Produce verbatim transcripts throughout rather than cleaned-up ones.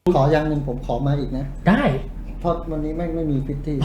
ขออย่างหนึ่งผมขอมาอีกนะได้เพราะวันนี้ไม่ไม่มีฟิตที่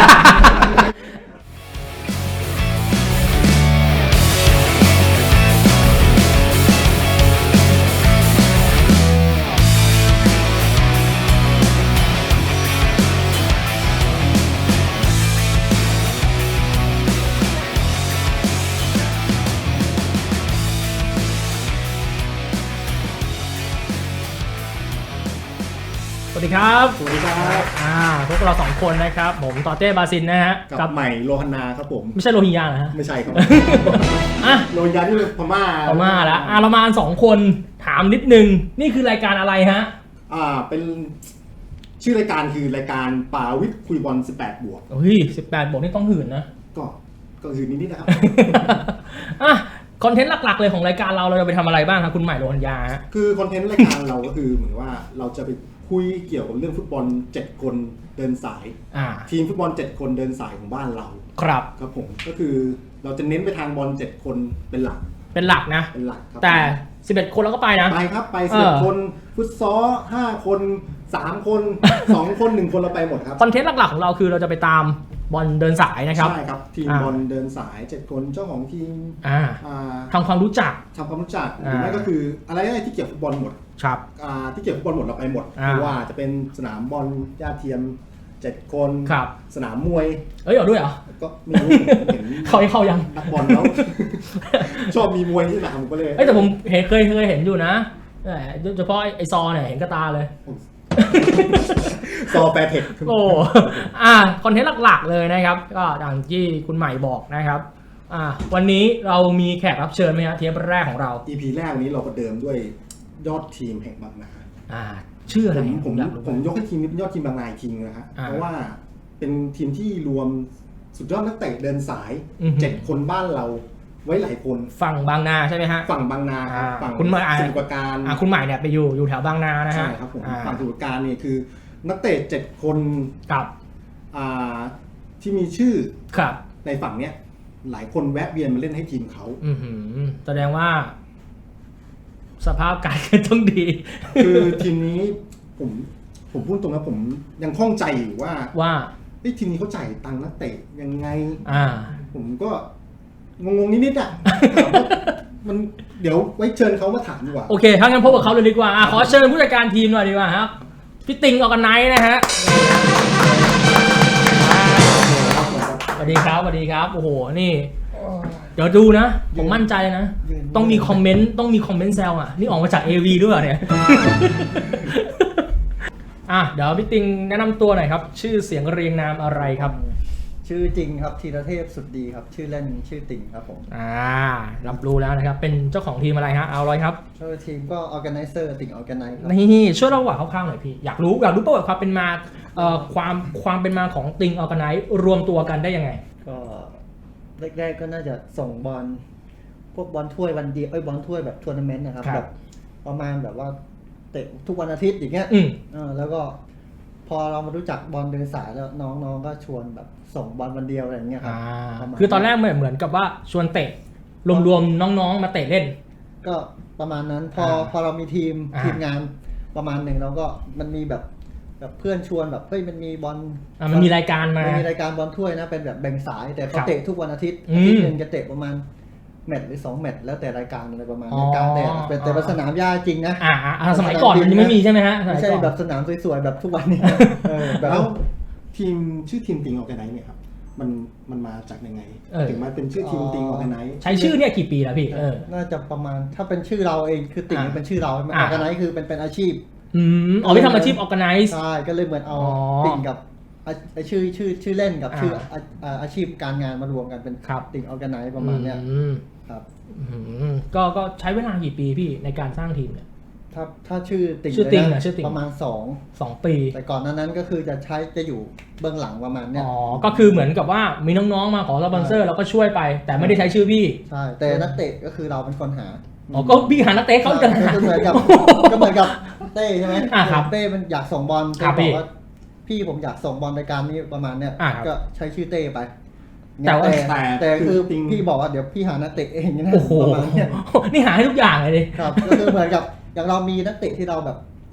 สวัสดีครับสวัสดีครับอ่าพวกเราสองคนนะครับผมต่อเต้บาซินนะฮะกับใหม่โลฮันนาครับผมไม่ใช่โรฮิงญานะฮะไม่ใช่ครับอ่ะโรฮิงญาที่พม่าพม่าแล้วอ่ะเรามาสองคนถามนิดนึงนี่คือรายการอะไรฮะอ่าเป็นชื่อรายการคือรายการป่าวิทย์คุยบอลสิบแปดบวกเฮ้ยสิบแปดบวกนี่ต้องหื่นนะก็ก็หื่นนิดๆนะครับอ่ะคอนเทนต์หลักๆเลยของรายการเราเราจะไปทำอะไรบ้างครับคุณใหม่โรฮิงญาฮะคือคอนเทนต์รายการเราก็คือเหมือนว่าเราจะไปคุยเกี่ยวกับเรื่องฟุตบอลเจ็ดคนเดินสายทีมฟุตบอลเจ็ดคนเดินสายของบ้านเราครับครับผมก็คือเราจะเน้นไปทางบอลเจ็ดคนเป็นหลักเป็นหลักนะเป็นหลักครับแต่สิบเอ็ดคนเราก็ไปนะไปครับไปสิบเอ็ดคนฟุตซอลห้าคนสามคนสองคนหนึ่งคนเราไปหมดครับคอนเทนต์หลักๆของเราคือเราจะไปตามบอลเดินสายนะครับใช่ครับทีมบอลเดินสายเจ็ดคนเจ้าของทีมทำความรู้จักทำความรู้จักหรือไม่ก็คืออะไรอะไรที่เกี่ยวกับฟุตบอลหมดครับที่เกี่ยวกับฟุตบอลหมดเราไปหมดไม่ว่าจะเป็นสนามบอลหญ้าเทียมเจ็ดคนสนามมวยเอ้ยเอาด้วยเหรอก็ไม่รู้เห็นเขาให้เข้ายังนักบอลแล้วชอบมีมวยที่สนามผมก็เลยแต่ผมเห็นเคยเคยเห็นอยู่นะโดยเฉพาะไอซอเนี่ยเห็นกระตาเลยซอแปรเทคโอ้อ่าคอนเทนต์หลักๆเลยนะครับก็อย่างที่คุณใหม่บอกนะครับอ่าวันนี้เรามีแขกรับเชิญไหมครับเทปแรกของเราอี พี แรกวันนี้เราประเดิมด้วยยอดทีมแห่งบางนาอ่าชื่ออะไรผมผมยกให้ทีมนี้เป็นยอดทีมบางนาทีนึงนะฮะเพราะว่าเป็นทีมที่รวมสุดยอดนักเตะเดินสายเจ็ดคนบ้านเราไว้หลายคนฝั่งบางนาใช่ไหมฮะฝั่งบางนาครับฝั่งคุณใหม่สมุทรปราการคุณใหม่เนี่ยไปอยู่อยู่แถวบางนานะฮะใช่ครับผมฝั่งสมุทรปราการนี่คือนักเตะเจ็ดคนกับที่มีชื่อครับในฝั่งเนี้ยหลายคนแวะเวียนมาเล่นให้ทีมเขาแสดงว่าสภาพการเงินต้องดีคือทีมนี้ผมผมพูดตรงนะผมยังข้องใจอยู่ว่าว่าทีมนี้เขาจ่ายตังค์นักเตะยังไงอ่าผมก็งงๆนิดๆอ่ะมันเดี๋ยวไว้เชิญเขามาถามดีกว่าโอเคถ้างั้นพบกับเขาเลยดีกว่าขอเชิญผู้จัดการทีมหน่อยดีกว่าครับพี่ติงออร์แกไนซ์นะฮะสวัสดีครับสวัสดีครับโอ้โหนี่เดี๋ยวดูนะผมมั่นใจนะต้องมีคอมเมนต์ต้องมีคอมเมนต์แซวอ่ะนี่ออกมาจาก เอ วี ด้วยเนี่ยอ่ะเดี๋ยวพี่ติงแนะนำตัวหน่อยครับชื่อเสียงเรียงนามอะไรครับชื่อจริงครับธีรเทพสุดดีครับชื่อเล่นชื่อติงครับผมอ่ารับรู้แล้วนะครับเป็นเจ้าของทีมอะไรฮะเอาเลยครับช่วยทีมก็ organizer ติง organize ครับนี่ช่วยเล่าว่าคร่าวๆหน่อยพี่อยากรู้อยากรู้ประวัติความเป็นมาเอ่อความความเป็นมาของติง organize รวมตัวกันได้ยังไงก็แรกๆก็น่าจะส่งบอลพวกบอลถ้วยวันเดียวไอ้บอลถ้วยแบบทัวร์นาเมนต์นะครับแบบประมาณแบบว่าเตะทุกวันอาทิตย์อย่างเงี้ยอ่าแล้วก็พอเรามารู้จักบอลเดินสายแล้วน้องๆก็ชวนแบบส่งบอลวันเดียวอะไรอย่างเงี้ยครับคือตอนแรกเหมือนเหมือนกับว่าชวนเตะรวมๆน้องๆมาเตะเล่นก็ประมาณนั้นพอพอเรามีทีมทีมงานประมาณหนึ่งเราก็มันมีแบบแบบเพื่อนชวนแบบเฮ้ยมันมีบอลมันมีรายการมามันมีรายการบอลถ้วยนะเป็นแบบแบ่งสายแต่เขาเตะทุกวันอาทิตย์อาทิตย์นึงจะเตะประมาณแมตช์หรือสองแมตช์แล้วแต่รายการอะไรประมาณนี้กลางแดดเป็นแต่สนามหญ้าจริงนะอ่าสมัยก่อนมันยังไม่มีใช่ไหมฮะไม่ใช่แบบสนามสวยๆแบบทุกวันนี้แล้วทีมชื่อทีมติงออร์แกไนซ์เนี่ยครับมันมันมาจากยังไงถึงมาเป็นชื่อทีมติงออร์แกไนซ์ใช้ชื่อเนี่ยกี่ปีแล้วพี่เออน่าจะประมาณถ้าเป็นชื่อเราเองคือติงเป็นชื่อเราออร์แกไนซ์คือเป็นเป็นอาชีพอืมอ๋อที่ทำอาชีพออร์แกไนซ์ใช่ก็เลยเหมือนเอาติงกับชื่อชื่อชื่อเล่นกับชื่ออาชีพการงานมารวมกันเป็นติงออร์แกไนซ์ประมาณเนี้ยครับก็ก็ใช้เวลากี่ปีพี่ในการสร้างทีมเนี่ยถ้าถ้าชื่อติงชื่อติงนะชื่อติงประมาณสองสองปีแต่ก่อนนั้นก็คือจะใช้จะอยู่เบื้องหลังประมาณเนี้ยอ๋อก็คือเหมือนกับว่ามีน้องๆมาขอสปอนเซอร์เราก็ช่วยไปแต่ไม่ได้ใช้ชื่อพี่ใช่แต่นักเตะก็คือเราเป็นคนหาอ๋อก็พี่หานักเตะเขาจะหาก็เหมือนกับก็เหมือนกับเต้ใช่ไหมเต้มันอยากส่งบอลเต้บอกว่าพี่ผมอยากส่งบอลรายการนี้ประมาณเนี้ยก็ใช้ชื่อเต้ไปแต่แต่คือพี่บอกว่าเดี๋ยวพี่หานักเตะเองนะประมาณนี้นี่หาให้ทุกอย่างเลยดิครับก็คือเหมือนกับอย่างเรามีนักเตะที่เราแบบ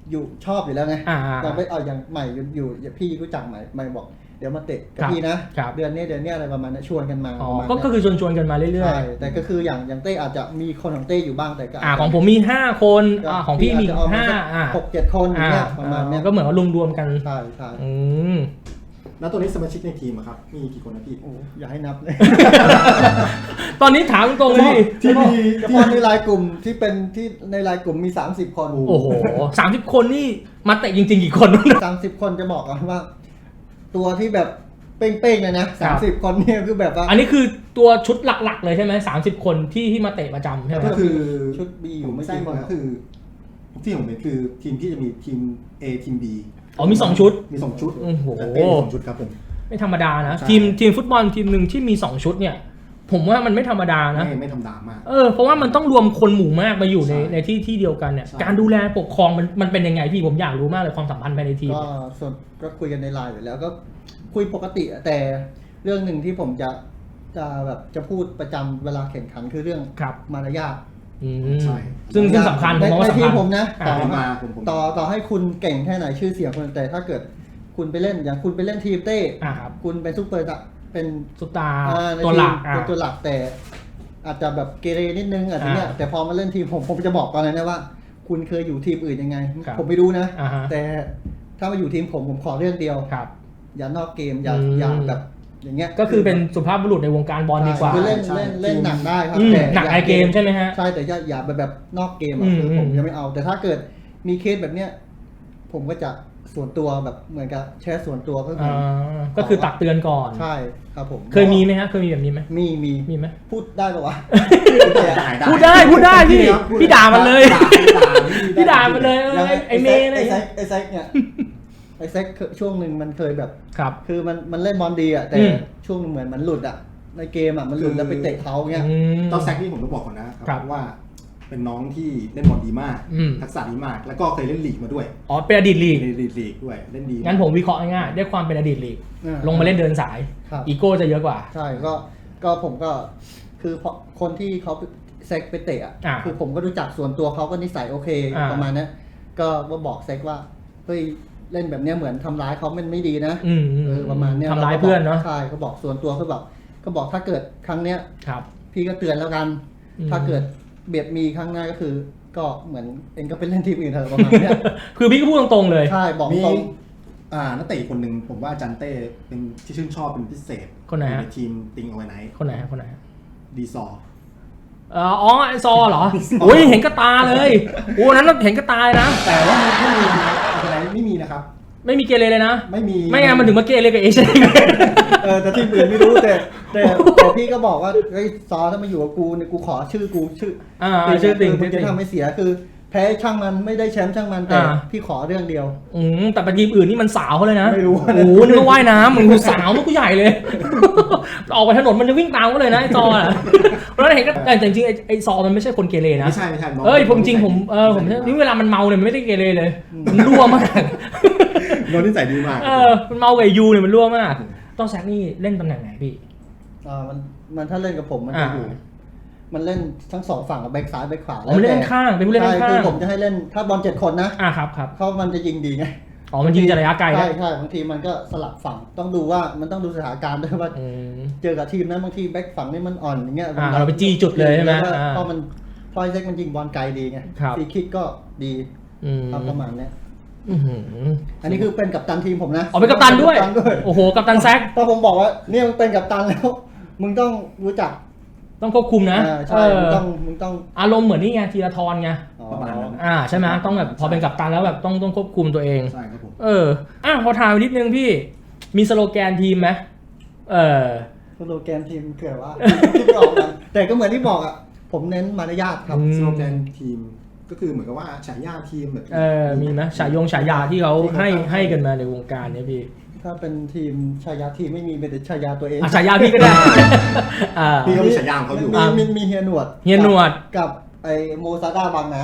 อยู่ชอบอยู่แล้วไงอ่าแต่ไปเอาอย่างใหม่อยู่อยู่พี่รู้จักใหม่ใหม่บอกเดี๋ยวมาเตะกับพี่นะครับ เดือนนี้เดือนนี้อะไรประมาณนั้นชวนกันมาอ๋อประมาณก็นั้นก็คือชวนชวนๆกันมาเรื่อยใช่แต่ก็คืออย่างอย่างเต้อาจจะมีคนของเต้อยู่บ้างแต่ก็ๆอ่าของผมมีห้าคนอ่าของพี่มีอาจจะเอาห้าสักอ่าหกเจ็ดคนอย่างเงี้ยประมาณเนี้ยก็เหมือนว่ารวมๆกันใช่ใช่อืมแล้วตัวนี้สมาชิกในทีมอะครับมีกี่คนนะพี่โอ้อย่าให้นับเลยตอนนี้ถามตรงๆเลยพี่ที่มีเฉที่พาะในไลน์กลุ่มที่เป็นที่ในไลน์กลุ่มมีสามสิบคนโอ้โหสามสิบคนนี่มาเตะจริงๆกี่คนสามสิบคนจะบอกกันว่า ตัวที่แบบเป้งๆเลยนะสามสิบคนเนี่ยคือแบบว่าอันนี้คือตัวชุดหลักๆเลยใช่ไหมสามสิบคนที่ที่มาเตะประจำใช่ไหมก็คือชุด B อยู่ไม่ใช่กี่คนก็คือที่ผมเป็นคือทีมที่จะมีทีม A ทีม B อ๋อมีสองชุดมีสองชุดโอ้โหแต่เป็นสองชุดครับผมไม่ธรรมดานะใช่ทีมทีมฟุตบอลทีมหนึ่งที่มีสองชุดเนี่ย ผมว่ามันไม่ธรรมดานะไม่ไม่ธรรมดามากเออเพราะว่ามันต้องรวมคนหมู่มากมาอยู่ในใช่ในที่ที่เดียวกันเนี่ยใช่การดูแลปกครองมันมันเป็นยังไงพี่ผมอยากรู้มากเลยความสัมพันธ์ภายในทีมก็ส่วนก็คุยกันในไลน์อยู่แล้วก็คุยปกติอะแต่เรื่องหนึ่งที่ผมจะจะแบบจะพูดประจำเวลาแข่งขันคือเรื่องครับมารยาทอืมใช่ซึ่งซึ่งสำคัญผมมองว่าในสำทีคัมญผมนะอ่าต่อมาผมผมต่อต่อให้คุณเก่งแค่ไหนชื่อเสียงคนแต่ถ้าเกิดคุณไปเล่นอย่างคุณไปเล่นทีมเต้อ่าครับคุณเป็นซุปเปอร์เป็นสุดตาอ่าในตัวหลักทีมอ่าเป็นตัวหลักแต่อาจจะแบบเกเรนิดนึงอาจจะเนี่ยอ่าแต่พอมาเล่นทีมผมผมจะบอกตอนนั้นนะว่า คุณเคยอยู่ทีมอื่นยังไงครับผมไม่รู้นะอ่าฮะแต่ถ้ามาอยู่ทีมผมผมขอเรื่องเดียวครับอย่านอกเกมอย่าอืมอย่าแบบอย่างเงี้ยก็คือเป็นสุภาพบุรุษในวงการบอลดีกว่าคือเล่นใช่เล่นเล่นหนักได้ครับอืมแต่หนักอย่าในเกมใช่ไหมฮะใช่แต่อย่าอย่าแบบแบบนอกเกมอือ่ะมคือผมอืมยังไม่เอา แต่ถ้าเกิดมีเคสแบบเนี้ยผมก็จะส่วนตัวแบบเหมือนกับแชร์ส่วนตัวก็คืออ่าอก็คือตักเตือนก่อนใช่ครับผมเคยมีไหมฮะเคยมีแบบนี้ไหมมีมีมีไหมพูดได้ปะวะพูดได้พูดได้พี่ครับพูดพี่ด่ามันเลยด่าด่าพี่ด่ามันเลยเออยังไอ้ไอ้เมย์อะไรไอ้อย่างแซเงี้กยไอ้แซกเนี่ยไอ้แซกช่วงหนึ่งมันเคยแบบครับคือมันมันเล่นบอลดีอ่ะแต่อืมช่วงหนึงเหมือนมันหลุดอ่ะในเกมอ่ะมันหลุดแล้วไปเตะเขาเงี้ยอืมเจ้าแซกนี่ผมต้องบอกก่อนนะคครัรับ บว่าเป็นน้องที่เล่นบอลดีมากอืมทักษะดีมาก แล้วก็เคยเล่นลีกมาด้วยอ๋อเป็นอดีตลีกเล่นลีกลีกด้วยเล่นดีงั้นผมวิเคราะห์ง่ายๆด้วยความเป็นอดีตลีกอ่าลงมาเล่นเดินสายครับอีโก้จะเยอะกว่าใช่ก็ก็ผมก็คือเพราะคนที่เขาเซ็กไปเตะอ่ะอ่าคือผมก็รู้จักส่วนตัวเขาก็นิสัยโอเคอ่าประมาณนั้นก็ว่าบอกเซ็กว่าเฮ้ยเล่นแบบเนี้ยเหมือนทำร้ายเขามันไม่ดีนะอืมอืมเออประมาณเนี้ยทำร้ายเพื่อนเนาะใช่เขาบอกส่วนตัวเขาบอกก็บอกถ้าเกิดครั้งเนี้ยครับพี่ก็เตือนแล้วกันอืมถ้าเกิดเบียดมีครั้งหน้าก็คือ ก็เหมือนเองก็ไปเล่นทีมอื่นเถอะประมาณเนี้ยคือพี่ก็พูดตรงๆเลยใช่บอกมีตรงอ่านักเตะอีกคนหนึ่งผมว่าอาจันเต้เป็นที่ชื่นชอบเป็นพิเศษคนไหนฮะในทีมติงเอาไว้ไหนคนไหนฮะคนไหนฮะดีซอเอ่ออ๋อไอซอเหรอโอ้ยเห็นกระตาเลยโอ้นั้นเราเห็นกระตายนะแต่ว่ามันไม่มีอะไรไม่มีนะครับไม่มีเกเรเลยนะไม่มีไม่งั้นมันถึงมาเกเรกับเอเชียเออแต่ทีมอื่นไม่รู้แต่แต่แต่พี่ก็บอกว่าเฮ้ยซอถ้ามาอยู่กับกูเนี่ยกูขอชื่อกูชื่ออ่าชื่อติ่งมึชื่งอจะติ่งทำให้เสียคือ แพ้ช่างมันไม่ได้แชมป์ช่างมันแต่อ่าพี่ขอเรื่องเดียวอืมแต่ไปทีมอื่นนี่มันสาวเขาเลยนะไม่รู้โอ้โหนึกว่าว่ายน้ำมึงสาวมันก็ใหญ่เลย ออกไปถนนมันจะวิ่งตามก็เลยนะไอซออ่ะเพราะฉะนั้นเห็นก็แต่จริงๆไอ้ไอซอมันไม่ใช่คนเกเรนะไม่ใช่ไม่ใช่น้งเอ้ยผมจริงผมเออผมนี่เวลามันเมาเนี่ยมันไม่ได้เกเรเลยมันรั่วมากน้องนิสัยดีมากเออมันเมากับยูเนี่ยมันรั่วมากต้องแซกนี่เล่นตำแหน่งไหนพี่อ่ามันมันถ้าเล่นกับผมมันจะอ่าอยู่มันเล่นทั้งสองฝั่งกับแบ็คซ้ายแบ็คขวาอ๋อมันเล่นข้างเป็นผู้เล่นใช่ข้างคือผมจะให้เล่นถ้าบอลเจ็ดคนนะอ่าครับครับเขามันจะยิงดีไงอ๋อมันยิงจากระยะไกลใช่นะใช่บางทีมันก็สลับฝั่งต้องดูว่ามันต้องดูสถานการณ์ด้วยว่าอืมเจอกับทีมนั้นบางทีแบ็คฝั่งนี่มันอ่อนอย่างเงี้ยอ่าเราไปจี้จุดเลยใช่ไหมแล้วก็อ่าเพราะมันพอยเซ็กมันยิงบอลไกลดีไงครับฟรีคิกก็ดีอืมครับประมาณเนี้ยอื้อหืออันนี้คือเป็นกัปตันทีมผมนะอ๋อเป็นกัปตันด้วยกัปตันด้วยโอ้โหกัปตันแซกถ้าผมบอกว่าเนี่ยมึงเป็นกัปตันแล้ว มึงต้องรู้จักต้องควบคุมนะอ่าเอใช่มึงอต้องมึงต้องอารมณ์เหมือนนี่ไงธีรทรไงอ๋อประมาณนั้นอ่าใช่ไหมต้องแบบพอเป็นกัปตันแล้วแบบต้องต้องควบคุมตัวเองใช่ครับผมเอออ่ะพอถามนิดนึงพี่มีสโลแกนทีมไหมเออสโลแกนทีมเกิดว่าที่ไม่ออกกันแต่ก็เหมือนที่บอกอ่ะผมเน้นมารยาทครับอืมสโลแกนทีมก็คือเหมือนกับว่าฉายาทีมแบบเออมีไหมฉายงฉายาที่เขาให้ให้กันมาในวงการเนี่ยพี่ถ้าเป็นทีมชายาทีมไม่มีเป็นแต่ชายาตัวเองอ่ะฉายาพี่ก็ได้อ่าพี่ก็มีฉายาของเขาอยู่มีมีมีเฮียหนวดเฮียหนวดกับไอโมซาด้าบางนา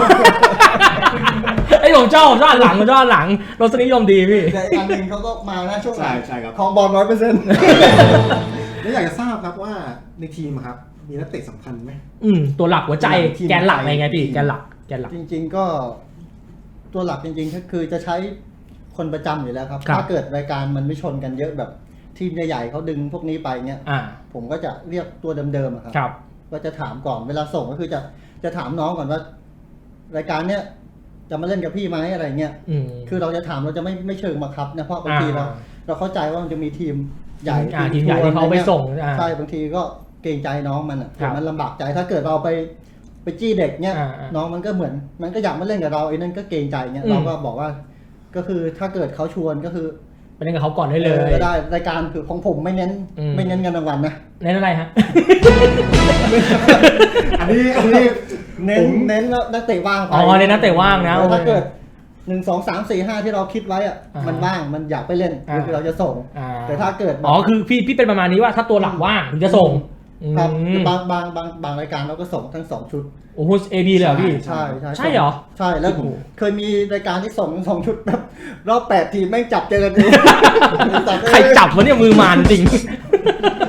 ไอ้ผมชอบผมชอบอันหลังผมชอบอันหลังรสนิยมดีพี่แต่อีกอันหนึ่งเขาก็มานะช่วงหลัใช่งใช่ครับของบอลร้อยเปอร์เซ็นต์แล้วอยากจะทราบครับว่าในทีมอะครับมีนักเตะสำคัญไหมอืมตัวหลักหัวใจทีมแกนหลักไทยอะไรไงพี่ทีมแกนหลักแกนหลักจริงๆก็ตตัวหลักจริงๆก็คือจะใช้คนประจำอยู่แล้วครับ ถ้าเกิดรายการมันไม่ชนกันเยอะแบบทีมใหญ่ๆเขาดึงพวกนี้ไปเงี้ยผมก็จะเรียกตัวเดิมๆครับ ก็จะถามก่อนเวลาส่งก็คือจะจะถามน้องก่อนว่า รายการเนี้ยจะมาเล่นกับพี่ไหมอะไรเงี้ยคือเราจะถามเราจะไม่ไม่เชิงบังคับนะเพราะบางทีเราเราเข้าใจว่ามันจะมีทีมใหญ่ทีมใหญ่ที่เขาไปส่งใช่บางทีก็เกรงใจน้องมันอ่ะมันลำบากใจถ้าเกิดเราไปไปจี้เด็กเนี้ยน้องมันก็เหมือนมันก็อยากมาเล่นกับเราไอ้นั่นก็เกรงใจเนี้ยเราก็บอกว่าก็คือถ้าเกิดเขาชวนก็คือไปเล่นกับเขาก่อนได้เลยก็ได้รายการคือของผมไม่เน้นไม่เน้นเงินรางวัลนะเน้นอะไรฮะอันนี้อันนี้เน้นเน้นนักเตะว่างอ๋อเน้นนักเตะว่างนะถ้าเกิดหนึ่งสองสามสี่ห้าที่เราคิดไว้อ่ะมันว่างมันอยากไปเล่นคือเราจะส่งแต่ถ้าเกิดอ๋อคือพี่พี่เป็นประมาณนี้ว่าถ้าตัวหลักว่างถึงจะส่งครับบางบางบางบางรายการเราก็ส่งทั้งสองชุดโอ้โหเอบีเลยเหรอพี่ใช่ใช่ใช่เหรอใช่แล้วเคยมีรายการที่ส่งสองชุดแบบรอบแปดทีมแม่งจับเจอกันเองใครจับวะเนี่ยมือมานจริง